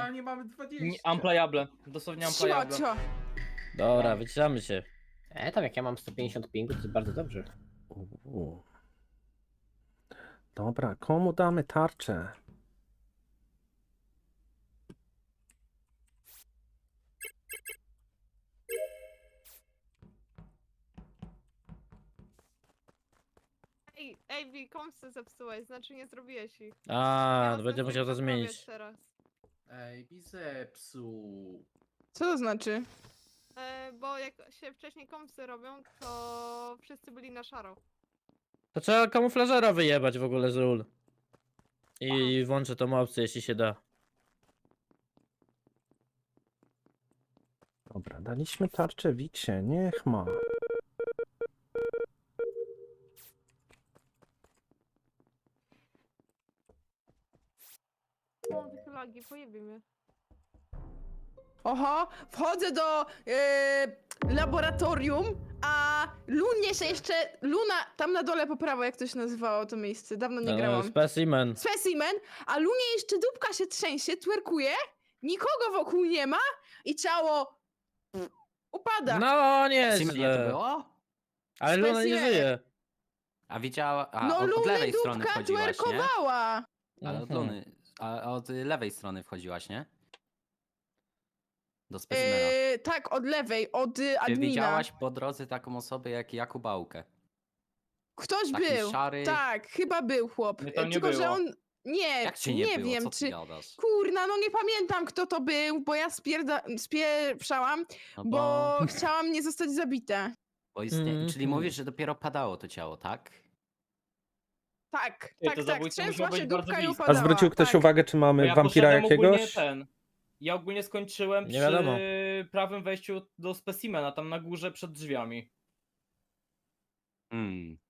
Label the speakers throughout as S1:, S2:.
S1: Aktualnie mamy 20.
S2: Unplayable. Dosłownie unplayable.
S3: Cio.
S4: Dobra, wyciszamy się.
S5: Tam jak ja mam 150 pingu, to jest bardzo dobrze.
S6: U. Dobra, komu damy tarczę?
S7: Ej, komsy zepsułeś, znaczy nie zrobiłeś ich.
S4: A,
S7: Ja was
S4: będę musiał to
S7: naprawiać
S4: zmienić.
S7: teraz.
S1: Ej, zepsuł.
S3: Co to znaczy?
S7: Bo jak się wcześniej komsy robią, to wszyscy byli na szaro.
S4: To trzeba kamuflażera wyjebać w ogóle z ról. I włączę tą opcję, jeśli się da.
S6: Dobra, daliśmy tarczę Wiksie, niech ma.
S7: Mam takie lagi, pojebie mnie.
S3: Oho, wchodzę do laboratorium, a Lunie się jeszcze... Luna, tam na dole po prawo, jak to się nazywało to miejsce, dawno nie grałam.
S4: Specimen.
S3: Specimen, a Lunie jeszcze dupka się trzęsie, twerkuje, nikogo wokół nie ma i ciało upada.
S4: No, nie
S8: Simenie to było?
S4: Ale Luna nie
S3: Specimen.
S4: żyje.
S8: A widziała... A,
S3: No
S8: od
S3: Luny
S8: lewej strony
S3: dupka
S8: wchodziłaś, nie?
S3: twerkowała.
S8: Ale od
S4: Mhm.
S8: Luny... A od lewej strony wchodziłaś, nie? Do specimena.
S3: Tak, od lewej, od
S8: Ty
S3: admina.
S8: widziałaś po drodze taką osobę jak Jakubałkę.
S3: Ktoś
S8: Taki
S3: był.
S8: szary...
S3: Tak, chyba był chłop.
S2: Mnie tam nie
S3: Tylko, że
S2: było.
S3: on... Nie,
S8: Jak cię nie, było?
S3: wiem,
S8: Co ty
S3: czy...
S8: gadasz?
S3: Kurna, no nie pamiętam kto to był, bo ja spieprzałam,
S8: No
S3: bo chciałam nie zostać zabita.
S8: Bo istnie...
S4: Mhm.
S8: Czyli mówisz, że dopiero padało to ciało, tak?
S3: Tak,
S2: Ty, to
S3: tak,
S2: zabójca
S3: trzęsła
S2: musiał
S3: się
S2: być bardzo
S3: dupka i
S2: blisko.
S6: A
S3: upadała.
S6: zwrócił ktoś
S3: tak.
S6: uwagę, czy
S2: Bo
S6: mamy
S2: ja
S6: wampira
S2: poszedłem ogólnie
S6: jakiegoś?
S2: Ja ogólnie skończyłem
S4: Nie
S2: przy
S4: wiadomo.
S2: prawym wejściu do specimena, tam na górze przed drzwiami.
S8: Hmm.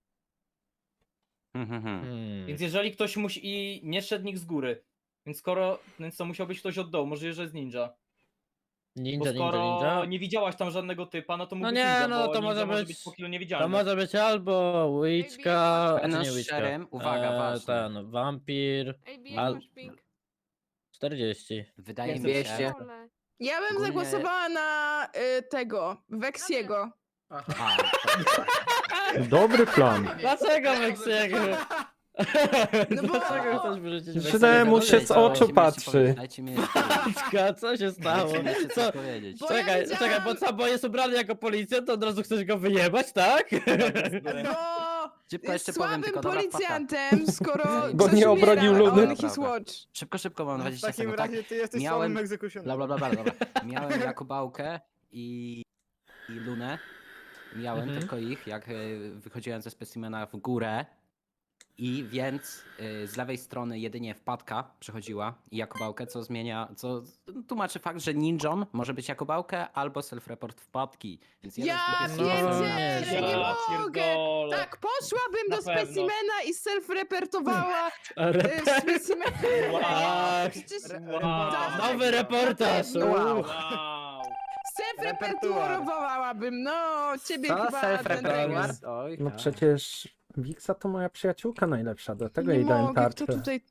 S2: Więc jeżeli ktoś musi i nie szedł nikt z góry. Więc to musiał być ktoś od dołu, możliwe, że jest ninja. Bo
S4: Ninja,
S2: skoro
S4: ninja.
S2: nie widziałaś tam żadnego typa, no to mógł
S4: No
S2: być
S4: nie,
S2: ninja,
S4: no
S2: bo
S4: to
S2: ninja
S4: może być-
S2: po kilu
S4: To
S2: niewidzialny.
S4: może być albo Witchka,
S8: Będąc
S4: czy nie Witchka.
S8: szczerym, uwaga, ważne.
S4: Ten, wampir,
S7: Ej,
S4: Al-
S7: jak masz ping?
S4: 40.
S8: Wydaje mi
S5: 200.
S8: się...
S7: Ole.
S3: Ja bym
S8: Ogólnie-
S3: zagłosowała na tego, Weksiego.
S1: Aha.
S8: A,
S6: Dobry plan.
S4: Dlaczego Weksiego?
S3: No bo-
S4: Dlaczego chcesz wyrzucić
S6: Źle
S4: Weksiego?
S6: mu się z oczu patrzy.
S8: Dajcie mi jeszcze powiedzieć.
S4: Paczka, co się stało?
S8: Dajcie mi jeszcze
S4: Co?
S8: coś powiedzieć.
S3: Bo ja
S4: Czekaj,
S3: widziałam-
S4: czekaj, bo co, bo jest ubrany jako policjant, to od razu chcesz go wyjebać, tak?
S3: Bo
S8: Szybko
S3: jest
S8: jeszcze powiem,
S3: słabym
S8: tylko dobra, wpadka.
S3: policjantem, skoro
S8: Bo
S3: ktoś
S6: nie
S3: umiera,
S6: obronił
S3: a
S6: Luny.
S3: on his watch.
S8: Szybko, mam
S9: No,
S8: 20
S9: w takim
S8: sekund, tak?
S9: razie ty jesteś
S8: Miałem-
S9: samym egzekucjonem.
S8: Dobra. Miałem Jakubałkę i Lunę. Miałem
S4: Mhm.
S8: tylko ich, jak wychodziłem ze specimena w górę. I więc z lewej strony jedynie wpadka przechodziła i Jakubałkę, co tłumaczy fakt, że ninją może być Jakubałkę albo self-report wpadki. Więc jeden z
S3: Ja
S8: nich jest
S4: No,
S3: pierdzielę,
S4: nie,
S3: nie
S2: Ja
S3: mogę.
S2: pierdolę.
S3: Tak, poszłabym
S2: Na
S3: do
S2: pewno.
S3: specimena i self-repertowała specimen.
S4: Wow.
S3: Przecież
S2: Wow.
S4: Nowy reportaż!
S3: Wow.
S4: Wow.
S2: Wow.
S3: self-repertuarowałabym, no, ciebie
S5: Co?
S3: chyba ten
S5: Self-report? Oj,
S6: No
S5: tak.
S6: przecież Wiksa to moja przyjaciółka najlepsza, dlatego
S3: Nie
S6: jej dałem
S3: mogę, kto
S6: tarczę.
S3: tutaj...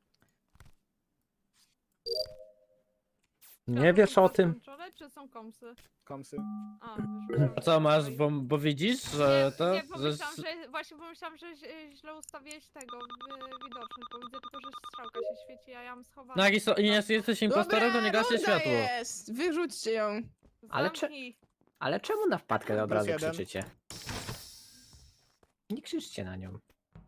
S6: Nie wiesz o tym?
S7: Skończone, czy są komsy?
S9: Komsy.
S7: A, już
S4: A co masz, bo widzisz, że to...
S7: Nie,
S4: że...
S7: pomyślałam, że właśnie pomyślałam, że źle ustawiłeś tego widoczny, bo widzę tylko, że strzałka się świeci, a ja mam schowane.
S4: No jak jesteś impostorem, to nie gaśnie
S3: runda
S4: światło.
S3: jest, wyrzućcie ją.
S5: Ale czy-
S7: Zamknij.
S5: Ale czemu na wpadkę od razu
S9: jeden.
S5: krzyczycie? Nie krzyczcie na nią.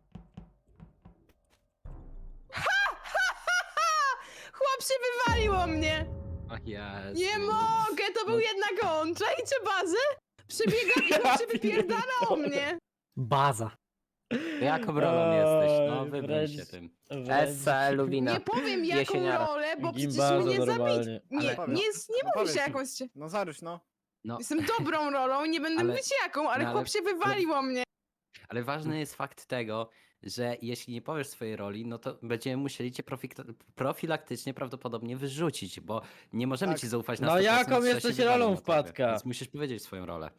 S3: Chłop się wywalił o mnie.
S8: Ach, Jezu.
S3: Nie mogę, to był jednak on. Czajcie bazę? Przebiegam i chłop się wypierdala o mnie.
S5: Baza.
S8: Jaką rolą jesteś? No
S4: Oj,
S8: wybierz
S4: wręcz-
S8: się tym.
S5: Essa, Luwina.
S3: Nie powiem jaką
S5: Jesieniara.
S3: rolę, bo przecież
S4: Gimbaza
S3: mnie zabić.
S4: normalnie.
S3: Nie,
S9: Ale-
S3: nie
S9: No
S3: mówi
S9: powiedz
S3: się
S9: mi.
S3: jakąś...
S9: No zaryś, no.
S8: No,
S3: Jestem dobrą rolą, nie będę
S8: Ale-
S3: mówić jaką, ale
S8: no ale-
S3: chłop się wywalił o mnie.
S8: ale ważny jest fakt tego, że jeśli nie powiesz swojej roli, no to będziemy musieli cię profilaktycznie prawdopodobnie wyrzucić, bo nie możemy
S9: Tak.
S8: ci zaufać na
S4: No
S8: 100%,
S4: jaką
S8: że się
S4: jesteś
S8: wywalił
S4: rolą
S8: na tobie,
S4: wpadka?
S8: Więc musisz powiedzieć swoją rolę.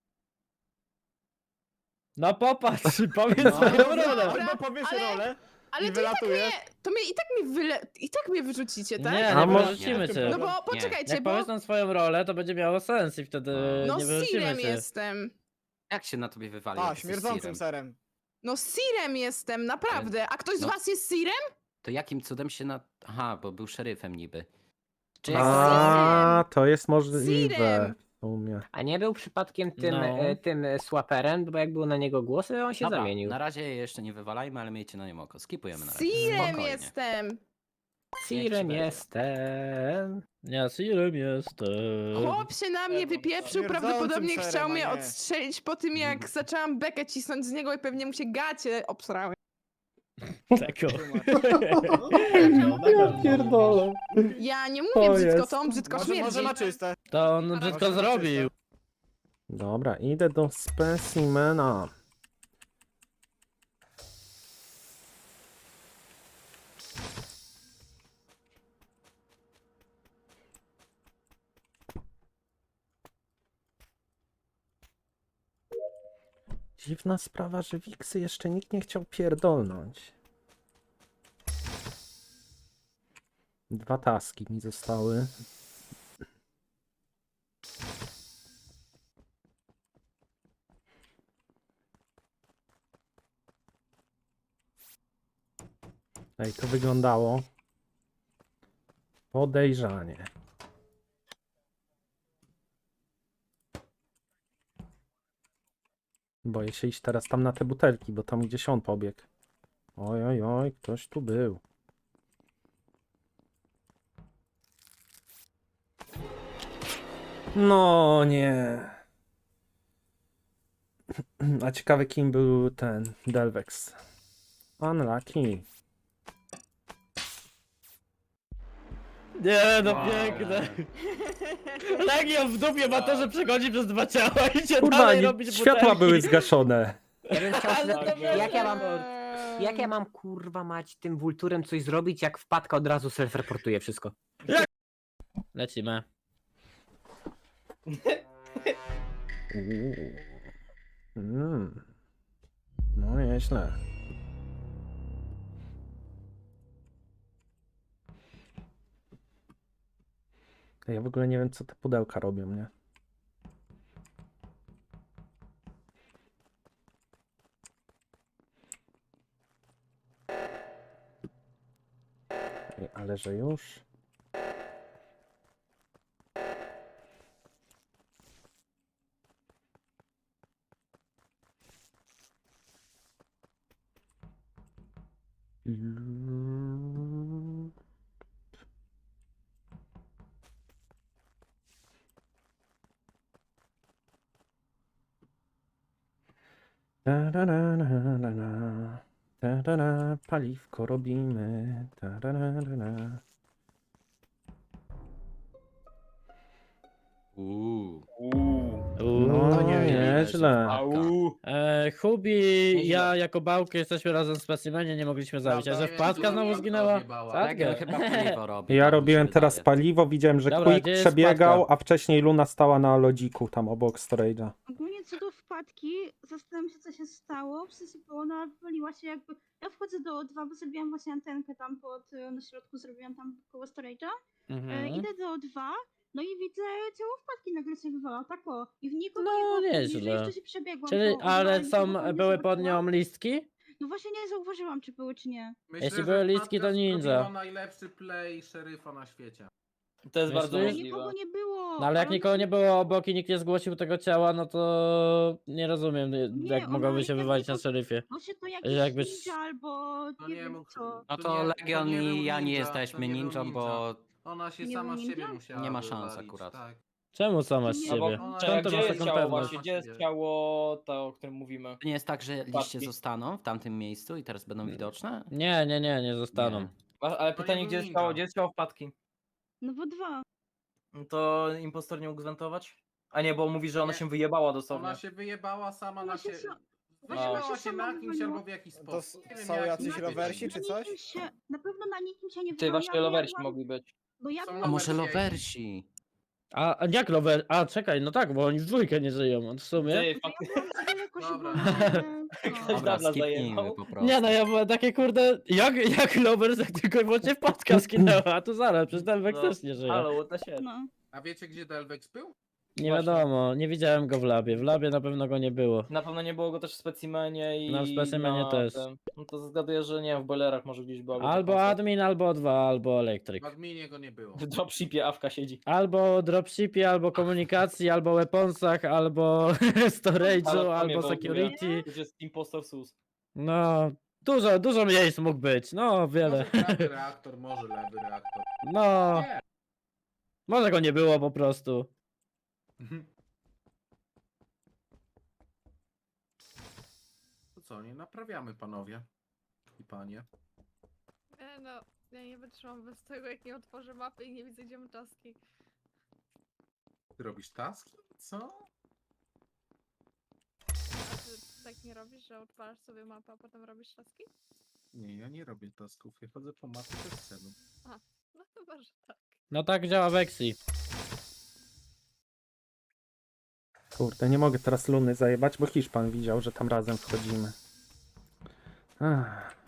S4: No popatrz, powiedz
S8: No.
S4: swoją rolę.
S9: Albo powiesz
S3: ale-
S9: rolę,
S3: Ale
S9: i
S3: to i tak
S9: wylatujesz.
S3: i tak mnie wyrzucicie, tak?
S4: Nie,
S6: A
S4: nie
S6: może-
S4: wyrzucimy cię.
S3: No bo
S8: Nie.
S3: poczekajcie,
S4: Jak
S3: bo
S4: powiesz nam swoją rolę, to będzie miało sens i wtedy
S3: no
S4: nie wyrzucimy
S3: Sirem
S4: cię.
S3: jestem.
S8: Jak się na tobie wywali?
S9: A,
S8: jak jesteś
S9: śmierdzącym
S8: Sirem?
S9: serem.
S3: No Sirem jestem, naprawdę. A ktoś z
S8: No.
S3: was jest Sirem?
S8: To jakim cudem się na... Aha, bo był szeryfem niby. Czy
S3: No,
S8: jak...
S6: A, to jest możliwe.
S3: Sirem.
S6: W sumie.
S5: A nie był przypadkiem tym,
S4: No.
S5: tym swaperem, bo jak było na niego głosy, on się
S8: Dobra,
S5: zamienił.
S8: na razie je jeszcze nie wywalajmy, ale miejcie na nim oko. Skipujemy na razie.
S3: Sirem
S8: Spokojnie.
S3: jestem.
S5: Sirem
S8: będzie.
S5: jestem.
S4: Ja Sirem jestem.
S3: Chłop się na mnie wypieprzył,
S9: Śmierdzącym
S3: prawdopodobnie
S9: serem,
S3: chciał
S9: a
S3: mnie
S9: nie.
S3: odstrzelić po tym, jak zaczęłam bekę cisnąć z niego i pewnie mu się gacie obsrały.
S4: Tako.
S6: Ja pierdolę.
S3: Ja nie
S6: To
S3: mówię brzydko,
S6: jest-
S3: to on brzydko
S9: Może
S3: śmierdzi.
S9: na czyste.
S4: To on brzydko
S9: Może
S4: zrobił.
S6: Dobra, idę do specimena. Dziwna sprawa, że Wiksy jeszcze nikt nie chciał pierdolnąć. 2 taski mi zostały. Ej, to wyglądało podejrzanie. Boję się iść teraz tam na te butelki, bo tam gdzieś on pobiegł. Oj, oj, oj, ktoś tu był. No nie. A ciekawy kim był ten Delvex. Unlucky.
S4: Nie, no piękne. Legion w dupie ma to, że przechodzi przez 2 ciała i cię
S6: Kurwa,
S4: dalej robić
S6: światła
S4: butelki.
S6: były zgaszone.
S5: Ja bym chciał się
S4: Ale to
S5: jak ja mam kurwa mać tym Vulturem coś zrobić, jak wpadka od razu self-reportuje wszystko.
S4: Lecimy.
S6: Uuu. No nieźle. Ja w ogóle nie wiem, co te pudełka robią, nie? Ej, ale że już. Paliwko robimy. No nieźle.
S4: Hubi, ja jako Bałkę jesteśmy razem w specimenie, nie mogliśmy zabić. A że wpadka znowu zginęła?
S8: Legion chyba paliwo robi.
S6: Ja
S8: tak mi się
S6: robiłem teraz
S8: wydaje.
S6: paliwo, widziałem, że
S4: Dobra,
S6: Quick
S4: gdzie jest
S6: przebiegał,
S4: wpadka?
S6: a wcześniej Luna stała na lodziku tam obok storage'a.
S10: Ogólnie co do wpadki, zastanawiam się, co się stało. W sensie, bo ona wywaliła się jakby. Ja wchodzę do O2, bo zrobiłam właśnie antenkę tam na środku, zrobiłam tam koło storage'a. Idę do O2, no i widzę ciało wpadki nagle się wywala, tak o. I w nikogo
S4: No,
S10: nie było, później,
S4: nieźle.
S10: że jeszcze się przebiegłam.
S4: Czyli,
S10: po O2
S4: ale
S10: i
S4: są,
S10: nikogo nie
S4: były pod nią
S10: zobaczyłam.
S4: listki?
S10: No właśnie nie zauważyłam, czy były, czy nie.
S1: Myślę,
S4: Jeśli
S1: że
S4: były listki, to
S1: Wpadka
S4: ninja.
S1: zrobiła najlepszy play szeryfa na świecie.
S2: To jest bardzo
S4: Myślisz?
S10: Ale nikogo
S2: możliwe.
S10: nie było.
S4: No ale jak
S10: ona
S4: nikogo
S10: się-
S4: nie było obok i nikt nie zgłosił tego ciała, no to nie rozumiem, jak
S10: ona
S4: mogłoby się
S10: i tak
S4: wywalić na
S10: tylko-
S4: szeryfie.
S10: Może to jakiś
S4: Jakby-
S10: ninja albo
S1: To
S10: nie
S1: nie
S10: wiem
S1: mógł-
S10: co.
S8: No
S1: To
S8: to
S1: nie-
S8: Legion
S1: to nie
S8: i
S1: był
S8: ja nie
S1: ninja,
S8: jesteśmy
S1: to nie był
S8: ninją,
S1: ninja.
S8: bo
S1: Ona się
S10: Nie
S1: sama z
S10: był
S1: siebie
S10: ninja?
S1: musiała
S8: Nie ma szans
S1: wywalić,
S8: akurat.
S1: Tak.
S4: Czemu sama z
S10: Nie,
S2: No bo
S4: siebie?
S1: Ona
S4: Czemu to
S2: gdzie
S4: masz
S2: jest
S4: taką
S2: ciało
S4: pewność?
S2: właśnie? Gdzie jest ciało to, o którym mówimy?
S8: to nie jest tak, że liście
S2: Wpadki.
S8: zostaną w tamtym miejscu i teraz będą widoczne?
S4: Nie zostaną.
S8: Nie.
S2: Ale
S1: To
S2: pytanie,
S1: nie
S2: gdzie
S1: był
S2: jest ciało?
S1: ninja.
S2: Gdzie jest ciało wpadki?
S10: No bo 2.
S2: No to impostor nie mógł zwentować? A nie, bo mówi, że ona
S1: Nie.
S2: się wyjebała dosłownie.
S1: Ona się wyjebała sama
S10: Ona
S1: na
S10: się
S1: siebie.
S10: sa-
S1: Wyjebała
S10: ona się
S1: się
S10: sama
S1: na kimś
S10: wywaliła.
S1: albo w jakiś
S9: To
S1: sposób. Nie wiem,
S9: są
S1: jaki
S9: jacyś
S1: to
S9: rowersi
S1: jest.
S9: czy coś?
S10: Na pewno na nikim się nie
S2: Ty, właśnie
S10: wywaliłam,
S2: lowersi
S10: ja
S2: mogli być.
S10: Bo ja
S1: Są
S10: byłam...
S8: A może
S1: Lowersi.
S8: lowersi?
S4: A jak rower? A czekaj, no tak, bo oni w dwójkę nie żyją, w sumie.
S2: Ty,
S10: Bo ja
S2: faktycznie.
S10: byłam za daleko, że
S1: Dobra.
S10: byłam,
S2: Ktoś
S8: Dobra,
S2: dabla
S8: skipnijmy
S2: zajebał.
S8: po prostu.
S4: Nie no, ja byłem takie kurde, jak Lovers, jak tylko właśnie wpadka skinęła, a tu zaraz, przecież Delvex
S2: No,
S4: też nie żyje.
S2: Halo, what the shit.
S10: No.
S1: A wiecie, gdzie Delvex był?
S4: Nie
S2: Właśnie.
S4: wiadomo, nie widziałem go w labie. W labie na pewno go nie było.
S2: Na pewno nie było go też w specimenie i
S4: No, w specimenie
S2: na
S4: też.
S2: tym. No to zgaduję, że nie wiem, w boilerach może gdzieś było.
S4: Albo admin, albo dwa, albo elektryk.
S1: W adminie go nie było.
S2: W dropshipie Awka siedzi.
S4: Albo dropshipie, albo komunikacji, albo weaponsach, albo storage'u,
S2: Ale to
S4: albo
S2: mnie w ogóle-
S4: security.
S2: To jest impostor sus.
S4: No, dużo miejsc mógł być, no wiele.
S1: Może prawy reaktor, może lewy reaktor.
S4: No,
S1: Nie.
S4: może go nie było po prostu.
S1: To co, nie naprawiamy, panowie i panie.
S7: No, ja nie wytrzymam bez tego, jak nie otworzę mapy i nie widzę, gdzie mam taski.
S1: Ty robisz taski? Co?
S7: A ty tak nie robisz, że odpalasz sobie mapę, a potem robisz taski?
S1: Nie, ja nie robię tasków. Ja chodzę po mapie bez celu.
S7: No chyba, że tak.
S4: No tak działa Vexi.
S6: Kurde, nie mogę teraz Luny zajebać, bo Hiszpan widział, że tam razem wchodzimy. Ach.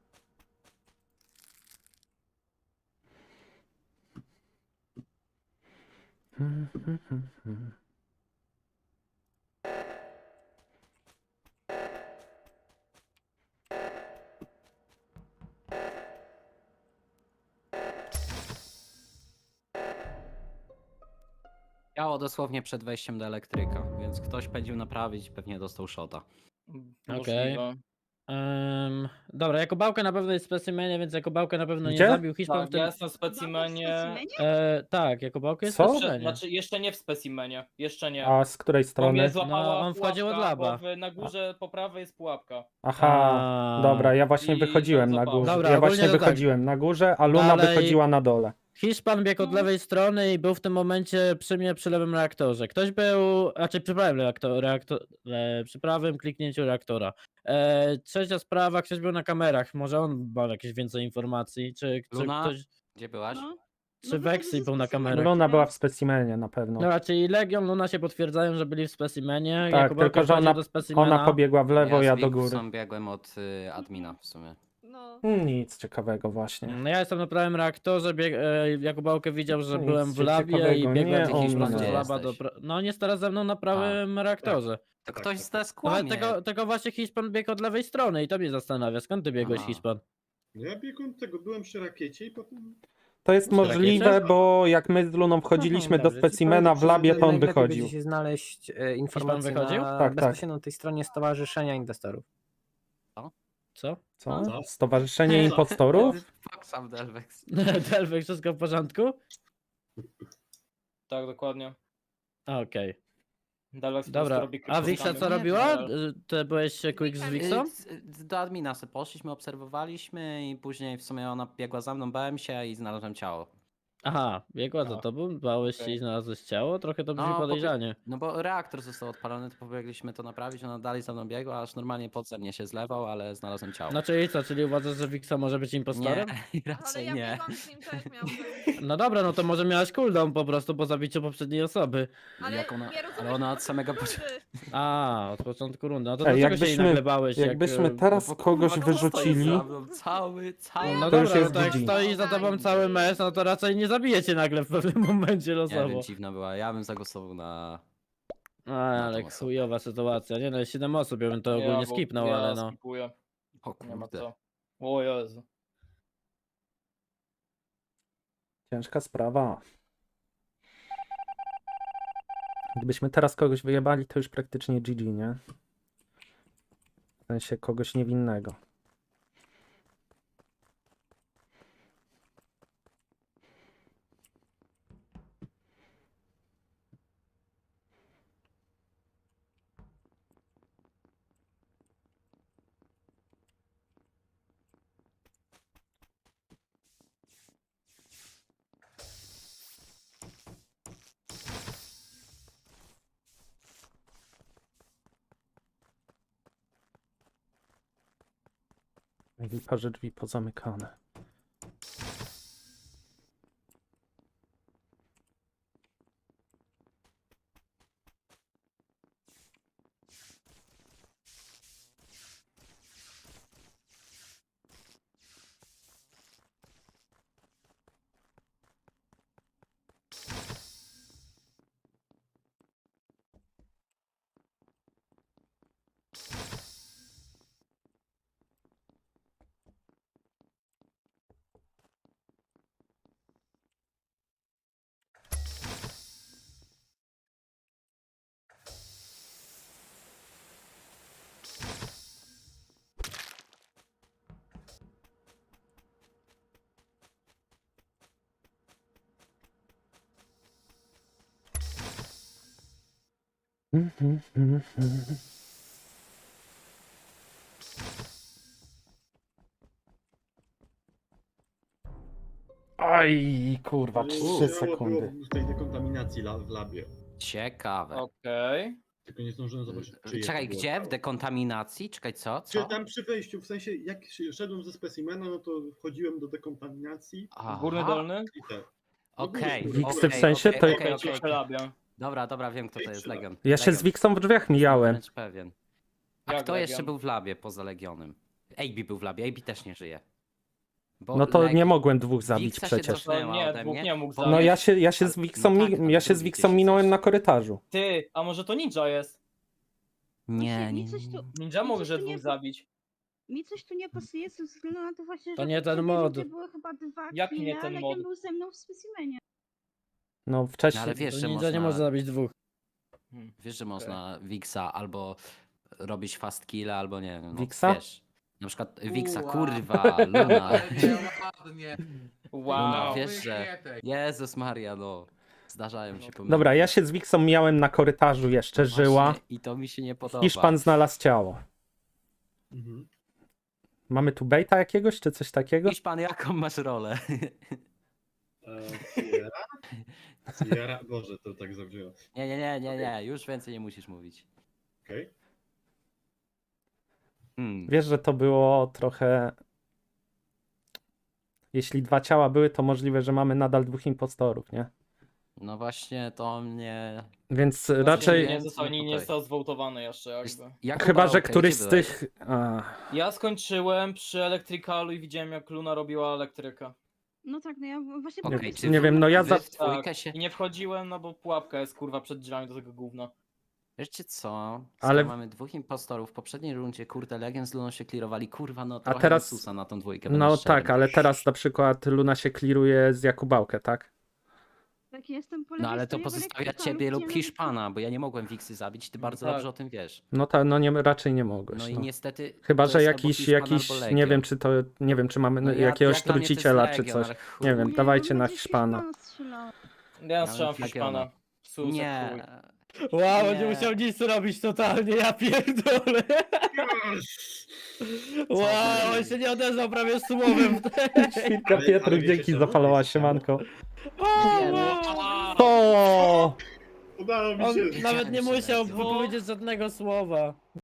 S8: Działo dosłownie przed wejściem do elektryka, więc ktoś pędził naprawić, pewnie dostał shota.
S2: Możliwe.
S4: Dobra, Jakubałka na pewno jest w specimenie, więc Jakubałkę na pewno nie
S6: Gdzie?
S4: zabił. Hiszpan
S2: Tak,
S4: w tym...
S2: ja jestem w specimenie.
S4: Tak, Jakubałka jest
S6: Co?
S4: w specimenie.
S2: Znaczy, jeszcze nie w specimenie. Jeszcze nie.
S6: A z której
S2: Bo mnie
S6: strony?
S2: złapała
S4: No, on wchodził od
S2: pułapka,
S4: laba.
S2: bo na górze po prawej jest pułapka.
S6: Aha, dobra, ja właśnie
S2: I
S6: wychodziłem
S2: tam
S6: na
S2: zapał.
S6: górze.
S4: Dobra,
S6: Ja
S4: ogólnie
S6: właśnie
S4: to tak.
S6: wychodziłem na górze, a Luna
S4: Dalej-
S6: wychodziła na dole.
S4: Hiszpan biegł od lewej strony i był w tym momencie przy mnie przy lewym reaktorze. Ktoś był, raczej przy prawym przy prawym kliknięciu reaktora. Trzecia sprawa, ktoś był na kamerach. Może on ma jakieś więcej informacji, czy
S8: Luna?
S4: ktoś,
S8: Gdzie byłaś?
S10: No.
S4: czy Vexi był na kamerach.
S6: Luna była w specimenie na pewno.
S4: Dobra, czyli Legion, Luna się potwierdzają, że byli w specimenie.
S6: Tak,
S4: Jakubałka
S6: tylko że
S4: wchodził
S6: ona-
S4: do specimena.
S6: Ona pobiegła w lewo, ja
S8: z
S6: do góry.
S8: Wixą biegłem od admina w sumie.
S7: No.
S6: Nic ciekawego właśnie.
S4: No ja jestem na prawym reaktorze, Jakubałkę widział, że
S6: Nic
S4: byłem w labie i
S6: ciekawego,
S4: biegłem
S6: nie
S4: z
S6: o
S4: Hiszpanem
S6: mnie.
S4: z laba do...
S8: Jesteś.
S4: No on jest teraz ze mną na prawym reaktorze.
S8: To ktoś z nas
S4: Ale
S8: kłamie.
S4: tego właśnie Hiszpan biegł od lewej strony i to mnie zastanawia. Skąd ty biegłeś,
S8: Aha.
S4: Hiszpan?
S9: No ja biegłem tego, byłem przy rakiecie i potem...
S6: To jest
S4: Przy
S6: możliwe,
S4: rakiecie?
S6: bo jak my z Luną wchodziliśmy do
S5: Dobrze, ci
S6: specimena
S5: powiem,
S6: w labie,
S5: że
S6: to on
S5: najlepiej
S6: wychodził.
S5: będzie się znaleźć informacje
S4: wychodził?
S5: na
S6: Tak,
S5: bezpośrednio na tej stronie Stowarzyszenia Inwestorów.
S4: Co?
S6: Co?
S9: Co?
S6: Stowarzyszenie Impostorów?
S8: Fuck sam Delvex.
S4: Delwek, wszystko w porządku?
S2: Tak, dokładnie.
S4: Okej.
S2: Dalej
S4: Dobra, a Wixa co robiła? Ty byłeś quick z Wixą?
S8: Do admina sobie poszliśmy, obserwowaliśmy i później w sumie ona biegła za mną, bałem się i znalazłem ciało.
S4: Aha, biegła za tobą, bałeś się i znalazłeś ciało? Trochę to brzmi
S8: No,
S4: podejrzanie.
S8: No bo reaktor został odpalony, to pobiegliśmy to naprawić, ona dalej za mną biegła, aż normalnie podzem mnie się zlewał, ale znalazłem ciało.
S4: No czyli co, czyli uważasz, że Wixa może być impostorem?
S8: Nie,
S7: Ale
S8: raczej
S7: ja
S8: nie.
S7: biegłam z nim, to jak miałam zrobić?
S4: No dobra, no to może miałaś cooldown po prostu po zabiciu poprzedniej osoby.
S7: Ale
S8: Jak ona-
S7: nie rozumiesz,
S8: ale ona od
S7: po
S8: samego
S7: prostu rundy.
S4: A, od początku rundy. No to
S6: Ej,
S4: dlaczego się jej
S6: jakbyśmy-
S4: nagle bałeś?
S6: Jakbyśmy
S4: jak,
S6: teraz
S8: No bo
S6: kogoś
S8: kurwa, kto stoi
S6: wyrzucili,
S8: za mną? Cały.
S4: No
S6: To już
S4: dobra, no
S6: jest
S4: to jak
S6: GG.
S4: stoi za tobą cały mes, no to raczej nie zabijecie nagle w pewnym momencie
S8: Nie
S4: losowo.
S8: wiem, dziwna była. Ja bym zagłosował na...
S4: A, ale
S8: tą osobę.
S4: chujowa sytuacja. Nie no, jest 7 osób, ja bym to ogólnie
S2: bo
S4: skipnął,
S2: ja
S4: ale no.
S2: Skipuję.
S8: O
S2: Nie ma
S8: kurde.
S2: co. O Jezu.
S6: ciężka sprawa. Gdybyśmy teraz kogoś wyjebali, to już praktycznie GG, nie? W sensie kogoś niewinnego. I parze drzwi pozamykane. Aj, kurwa,
S9: Ale
S6: 3
S9: ciało
S6: sekundy.
S9: było w tej dekontaminacji w labie.
S8: Ciekawe.
S2: Okej.
S9: Tylko nie zdążyłem zobaczyć, czyje
S8: Czekaj,
S9: to było
S8: gdzie? W
S9: ciało.
S8: dekontaminacji? Czekaj, co?
S9: Czy
S8: Co?
S9: tam przy wejściu, w sensie jak szedłem ze specimena, no to wchodziłem do dekontaminacji
S2: Górny,
S8: Aha,
S2: dolny?
S9: i tak.
S8: Okej.
S6: Wiksy w
S8: okej,
S6: sensie
S8: okej,
S6: to-
S8: okej, okej.
S2: Przelabia.
S8: Dobra, wiem kto to jest, Legion.
S6: Ja się z
S8: Legion.
S6: Wiksą w drzwiach mijałem.
S8: Wręcz pewien. A
S2: Jak
S8: kto
S2: Legion?
S8: jeszcze był w labie poza Legionem? AB był w labie, AB też nie żyje. Bo
S6: No to
S8: Leg-
S6: nie mogłem dwóch zabić
S8: Wiksa się
S6: przecież.
S8: cofnęła
S2: No nie,
S8: ode
S2: dwóch
S8: mnie.
S2: nie mógł
S8: Bo-
S6: No
S2: zabić.
S6: ja się z
S8: Ale-
S6: Wiksą,
S8: no tak, ale
S6: ja się z
S8: drugi
S6: Wiksą
S8: gdzieś
S6: minąłem
S8: jest.
S6: na korytarzu.
S2: Ty, a może to ninja jest?
S8: Nie,
S10: Właśnie
S8: nie,
S10: mi coś
S8: nie.
S10: tu-
S2: Ninja
S10: mi
S2: może
S10: coś tu
S2: dwóch
S10: nie-
S2: zabić.
S10: Mi coś tu nie pasuje ze względu na to właśnie,
S4: To
S10: że
S4: nie
S10: w
S4: ten
S10: poprzedniej
S4: mod.
S10: rundzie były chyba 2
S2: Jak nie
S10: kile,
S2: ten
S10: a
S2: mod?
S10: Legion był ze mną w specimenie.
S6: No
S8: No,
S6: wcześniej.
S8: ale wiesz,
S4: To
S8: że
S4: ninja
S8: można,
S4: nie może zabić dwóch.
S8: wiesz, że można Wixa albo robić fast kill, albo nie wiem. No,
S6: Wixa?
S8: Wiesz, na przykład Wixa,
S1: Uła.
S8: kurwa, Luna.
S1: Ale nie, ładnie.
S2: Wow.
S8: Luna, wiesz, że...
S1: Wykietek.
S8: Jezus Maria, no. Zdarzają się pomyłki.
S6: Dobra, ja się z Wiksą mijałem na korytarzu jeszcze,
S8: Właśnie,
S6: żyła.
S8: I to mi się nie podoba.
S6: Hiszpan znalazł ciało.
S9: Mhm.
S6: Mamy tu bejta jakiegoś, czy coś takiego?
S8: Hiszpan, jaką masz rolę?
S9: Sierra? Sierra? Boże, to tak zabrzmiało.
S8: Nie, już więcej nie musisz mówić.
S9: Okej.
S6: Wiesz, że to było trochę... Jeśli 2 ciała były, to możliwe, że mamy nadal 2 impostorów, nie?
S8: No właśnie, to mnie...
S6: Więc
S8: Znaczy,
S6: raczej...
S2: Nie został, nie został zwołtowany jeszcze jakby.
S8: Jaką
S6: Chyba, że
S8: bałkę,
S6: któryś
S8: gdzie
S6: z
S8: byłeś?
S6: tych...
S2: Ja skończyłem przy elektrykalu i widziałem jak Luna robiła elektrykę.
S10: No tak, no ja właśnie...
S8: Okej,
S10: powiem,
S8: czy
S10: że-
S6: Nie wiem, no ja
S8: wy
S6: za...
S8: w dwójkę
S2: Tak.
S8: się...
S2: I nie wchodziłem, no bo pułapka jest kurwa przed drzwiami do tego gówna.
S8: Wiecie co?
S6: Ale-
S8: Ale mamy 2 impostorów. W poprzedniej rundzie, kurde, Legion z Luną się klirowali. Kurwa, no trochę
S6: teraz-
S8: susa na tą dwójkę.
S6: No
S8: będę szczery.
S6: tak, ale teraz na przykład Luna się kliruje z Jakubałkę, tak?
S10: Tak, jestem po
S8: No
S10: lewej
S8: ale to
S10: stronie, bo
S8: pozostawia
S10: lekko
S8: ciebie lub
S10: widziałem-
S8: Hiszpana, bo ja nie mogłem Wiksy zabić, ty bardzo
S2: tak.
S8: dobrze o tym wiesz.
S6: No tak, no nie, raczej nie mogłeś.
S8: No i
S6: No.
S8: niestety...
S6: Chyba,
S8: to
S6: że
S8: jest albo
S6: jakiś,
S8: Hiszpan,
S6: jakiś,
S8: albo
S6: nie
S8: Legion.
S6: wiem czy to, nie wiem czy mamy
S8: No ja-
S6: jakiegoś
S8: jak dla mnie to jest
S6: truciciela czy
S8: Legion,
S6: coś.
S8: ale chuj.
S6: Nie wiem,
S10: Nie,
S6: dawajcie
S10: bo
S6: na
S10: będzie
S6: Hiszpana.
S10: strzelał.
S2: Ja strzelam w
S8: bym
S2: Hiszpana.
S8: Legiona.
S2: Sus, jak
S8: Nie.
S2: chuj.
S4: Wow,
S8: Nie.
S4: nie musiał nic robić totalnie, ja pierdolę. Wow, on się nie odezwał prawie słowem.
S6: Świnka
S9: Ale-
S6: Pietruch,
S9: ale wiecie
S6: dzięki
S9: co?
S6: za followa,
S9: Wiecie co?
S6: siemanko.
S8: Nie, no.
S6: O!
S9: Udało mi
S4: On
S9: się.
S4: nawet nie
S8: Chciałem się
S4: musiał
S8: dać.
S4: powiedzieć żadnego słowa.